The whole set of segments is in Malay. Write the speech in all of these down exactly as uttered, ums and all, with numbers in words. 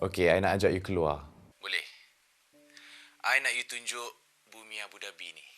Okey, I nak ajak you keluar. Boleh? I nak you tunjuk bumi Abu Dhabi ni.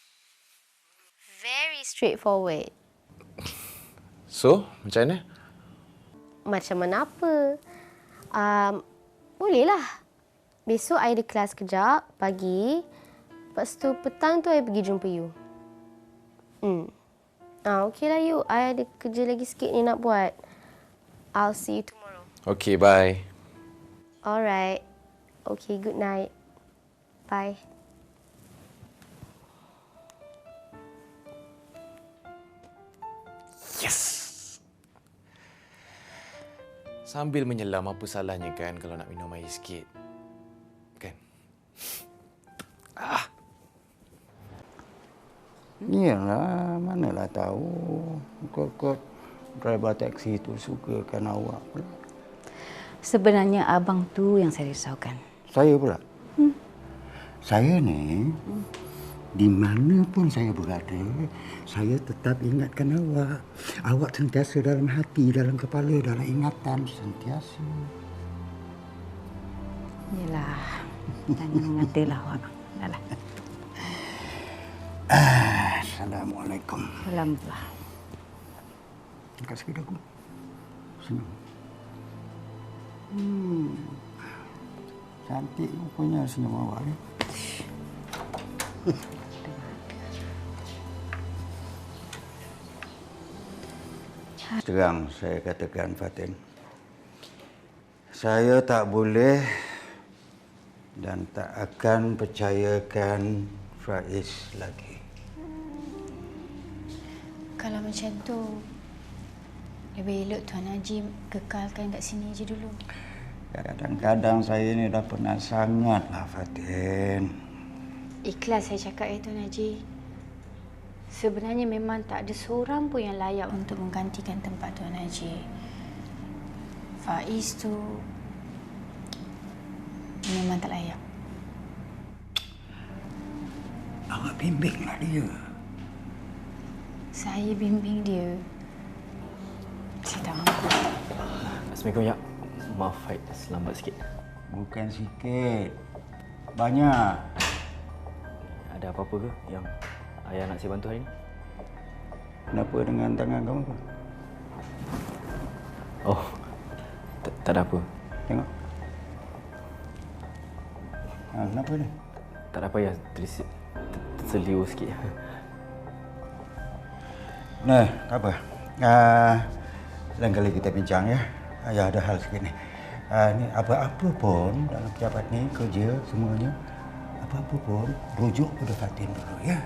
Very straightforward. So, macam mana? Macam mana apa? Um, bolehlah. Besok I ada kelas kejap, pagi. Lepas tu petang tu I pergi jumpa you. Hmm. Ah, okeylah you. I ada kerja lagi sikit ni nak buat. I'll see you tomorrow. Okey, bye. Alright. Okay, good night. Bye. Yes! Sambil menyelam, apa salahnya kan kalau nak minum air sikit? Kan? Ah. Iyalah, manalah tahu. Kot-kot driver taksi itu sukakan awak pula. Sebenarnya abang tu yang saya risaukan. Saya pula? Hmm. Saya ni, hmm. di mana pun saya berada, saya tetap ingatkan awak. Awak sentiasa dalam hati, dalam kepala, dalam ingatan sentiasa. Yelah, tanya mengatalah awak. Dahlah. Assalamualaikum. Alhamdulillah. Terima kasih aku. Senang. Hmm. Cantik rupanya senyum awak ni. Terang saya katakan, Fatin. Saya tak boleh dan tak akan percayakan Faiz lagi. Kalau macam tu, lebih elok Tuan Haji kekalkan kat sini je dulu. Kadang-kadang saya ni dah penat sangatlah, Fatin. Ikhlas saya cakap ya Tuan Haji. Sebenarnya memang tak ada seorang pun yang layak untuk menggantikan tempat Tuan Haji. Faiz tu memang tak layak. Awak bimbinglah dia. Saya bimbing dia. Saya tak mampu. Assalamualaikum, Ya. Maaf, Faid. Selambat sikit. Bukan sikit. Banyak. Ada apa-apa ke yang ayah nak saya bantu hari ni? Kenapa dengan tangan kamu tu? Oh, tak, tak ada apa. Tengok. Ha, kenapa ni? Tak ada apa, ya. Terisi, terseliu sikit. Nah, tak apa. Uh, lain kali kita bincang ya. Ayah ada hal sikit ni. Uh, ni apa-apa pun dalam pejabat ni, kerja semuanya, apa-apa pun rujuk pada Fatin dulu ya.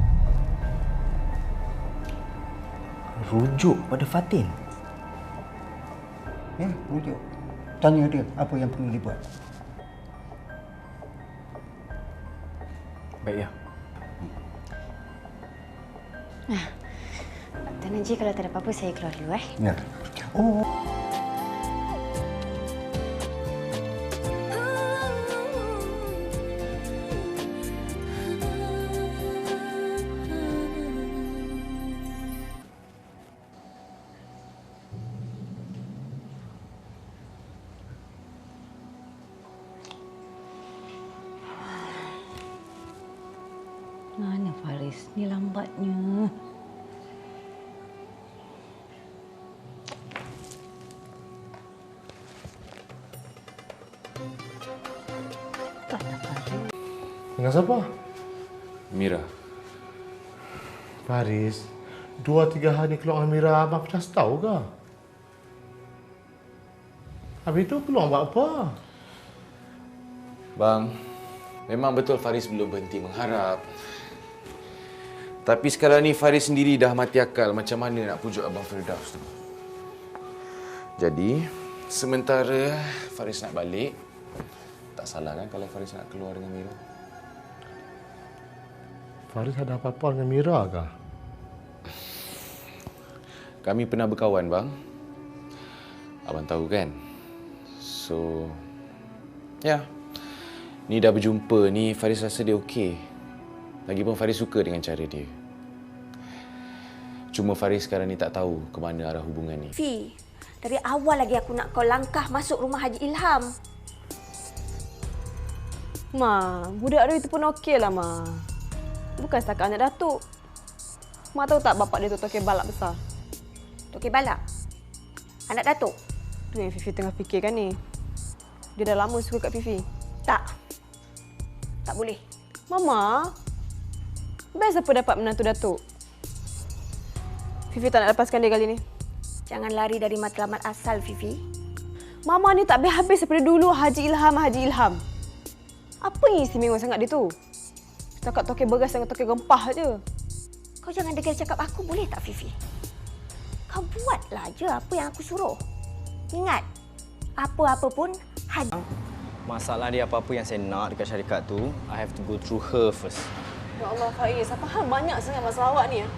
Rujuk pada Fatin? Ya, rujuk. Tanya dia apa yang perlu dibuat. Baik, Ya. Nah, Tuan Haji kalau tak ada apa-apa saya keluar dulu eh. Ya. Oh. Mana Faris? Ni lambatnya. Tak ada Faris. Dengan siapa? Mira. Faris, dua tiga hari keluar dengan Mira, abang pernah tahu ke? Habis itu keluar buat apa? Bang, memang betul Faris belum berhenti mengharap. Tapi sekarang ni Faris sendiri dah mati akal macam mana nak pujuk Abang Firdaus tu. Jadi, sementara Faris nak balik, tak salah kan kalau Faris nak keluar dengan Mira? Faris ada apa-apa dengan Mira ke? Kami pernah berkawan, bang. Abang tahu kan? So, ya. Ni dah berjumpa ni, Faris rasa dia okey. Lagipun Faris suka dengan cara dia. Cuma Faris sekarang ni tak tahu ke mana arah hubungan ni. Fi, dari awal lagi aku nak kau langkah masuk rumah Haji Ilham. Ma, budak dia itu pun okey lah, Ma. Bukan setakat anak datuk. Ma tahu tak bapak dia tu Tok Balak besar? Tok Balak? Anak datuk? Tu yang Fifi tengah fikirkan ni. Dia dah lama suka kat Fifi. Tak. Tak boleh. Mama, best apa dapat menantu datuk? Fifi tak nak lepaskan dia kali ni. Jangan lari dari matlamat asal, Fifi. Mama ni tak habis-habis daripada dulu Haji Ilham, Haji Ilham. Apa yang istimewa sangat dia tu? Setakat toke beras dengan toke rempah je. Kau jangan degil cakap aku, boleh tak, Fifi? Kau buatlah je apa yang aku suruh. Ingat, apa-apa pun Haji. Masalah dia apa-apa yang saya nak dekat syarikat tu, I have to go through her first. Ya Allah, Faiz, apa hal banyak sangat masalah awak ni ya?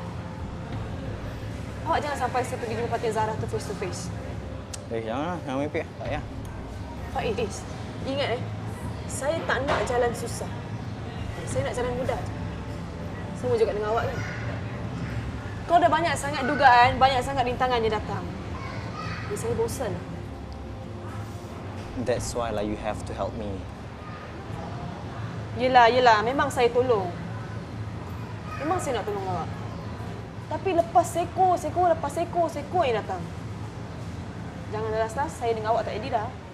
Awak jangan sampai saya pergi jumpa Fatin Zahra tu face to face. Eh, janganlah, jangan mimpi. Tak payah. Faiz, ingat eh, saya tak nak jalan susah. Saya nak jalan mudah. Sama juga dengan awak kan. Kau dah banyak sangat dugaan, banyak sangat rintangan yang datang. Jadi saya bosan. That's why lah you have to help me. Yelah, yelah. Memang saya tolong. Memang saya nak tolong awak. Tapi lepas seko, seko, lepas seko, seko yang datang. Jangan last-last saya dengan awak tak jadi dah.